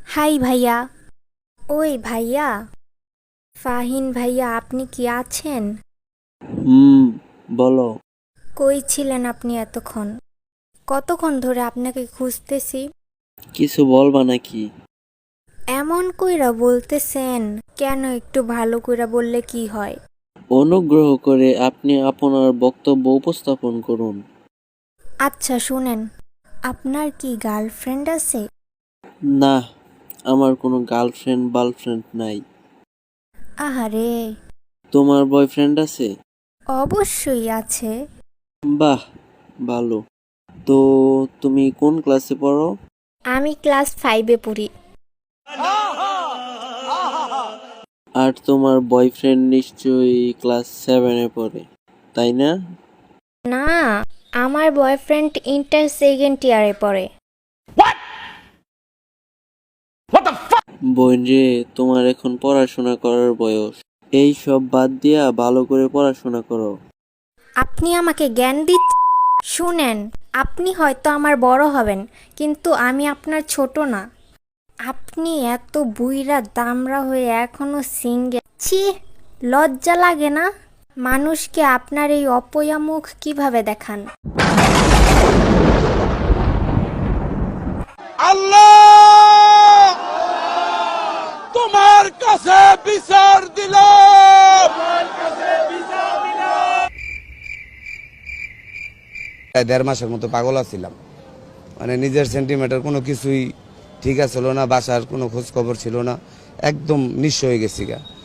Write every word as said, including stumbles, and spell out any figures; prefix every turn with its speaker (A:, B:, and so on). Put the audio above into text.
A: High ভাইয়া। ওই ভাইয়া, ফাহিন ভাইয়া, আপনি কি আছেন?
B: হুম, বলো।
A: কই ছিলেন আপনি এতক্ষণ? কতক্ষণ ধরে আপনাকে খুঁজতেছি।
B: কিছু বলবা নাকি?
A: এমন কইরা বলতেছেন কেন? একটু ভালো কইরা বললে কি হয়?
B: অনুগ্রহ করে আপনি আপনার বক্তব্য উপস্থাপন করুন।
A: আচ্ছা শুনেন, আপনার কি গার্লফ্রেন্ড আছে?
B: না, আমার কোনো গার্লফ্রেন্ড বার্লফ্রেন্ড নাই।
A: আহারে।
B: তোমার বয়ফ্রেন্ড আছে?
A: অবশ্যই আছে।
B: বাহ, ভালো। তো তুমি কোন ক্লাসে পড়ো?
A: আমি ক্লাস ফাইভে পড়ি।
B: আর তোমার বয়ফ্রেন্ড নিশ্চয়ই ক্লাস সেভেনে পড়ে, তাই না?
A: না, আমার বয়ফ্রেন্ড ইন্টার সেকেন্ড ইয়ারে পড়ে।
B: বোন রে, তোমার এখন পড়াশোনা করার বয়স। এই সব বাদ দিয়া ভালো করে পড়াশোনা করো।
A: আপনি আমাকে জ্ঞান দিচ্ছেন? শুনেন, আপনি হয়তো আমার বড় হবেন, কিন্তু আমি আপনার ছোট না। আপনি এত বুইড়া দামড়া হয়ে এখনো সিঙ্গেল, ছি! লজ্জা লাগে না? মানুষকে আপনার এই অপয়া মুখ কিভাবে দেখান?
C: আল্লাহ তোমার কাছে বিচার দিলাম।
D: প্রায় দেড় মাসের মতো পাগল আছিলাম, মানে নিজের সেন্টিমেন্টের কোনো কিছুই ঠিক আছিল না, বাসার কোনো খোঁজ খবর ছিল না, একদম নিঃস্ব হয়ে গেছি গা।